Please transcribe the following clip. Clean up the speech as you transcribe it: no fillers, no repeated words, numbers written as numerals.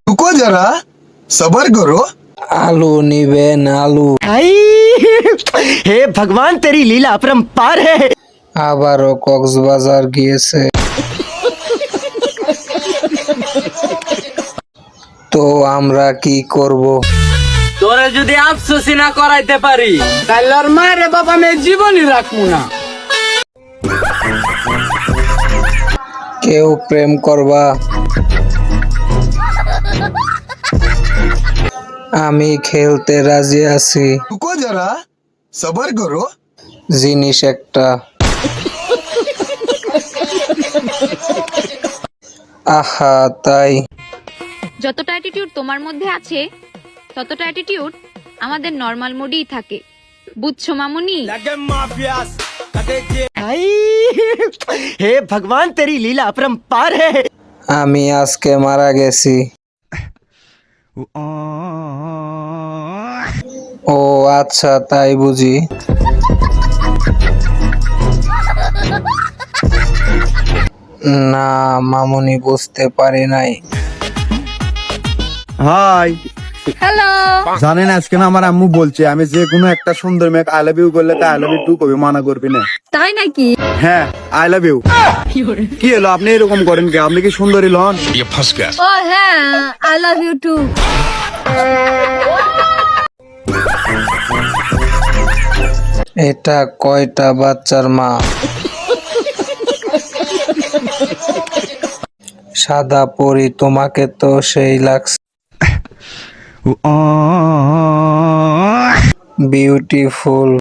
रुको जरा सबर करो। আলু নিবেন আলু। आई हे भगवान तेरी लीला अपरंपार है। আবারও কক্সবাজার গিয়েছে। তো আমরা কি করব? তোরে যদি আফসোসি না করাইতে পারি তাহলে ওর মায়ের বাবা মেয়ে জীবনই রাখবো না। কেউ প্রেম করবা? আমি খেলতে রাজি আছি। रुको जरा सबर करो। জিনিস একটা। আহা তাই। যতটা অ্যাটিটিউড তোমার মধ্যে আছে ততটা অ্যাটিটিউড আমাদের নর্মাল মোডেই থাকে, বুঝছো মামুনি? आई हे भगवान तेरी लीला अपरंपार है। আমি আজকে মারা গেছি। ও আচ্ছা তাই বুঝি। না মামুনি বুঝতে পারি নাই। Hi, hello. জানেন আজকে না আমার আম্মু বলছে আমি যে কোনো একটা সুন্দর মেয়ে আই লাভ ইউ করলে তা আই লাভ ইউ টু কবি মানা করবি না। তাই নাকি? হ্যাঁ আই লাভ ইউ। কি হলো আপনি এরকম করেন কে? আপনি কি সুন্দরী লন? ও হ্যাঁ, আই লাভ ইউ টু। এটা কয়টা বাচ্চার মা? সাদা পরি তোমাকে তো সেই লাগছে। বিউটিফুল।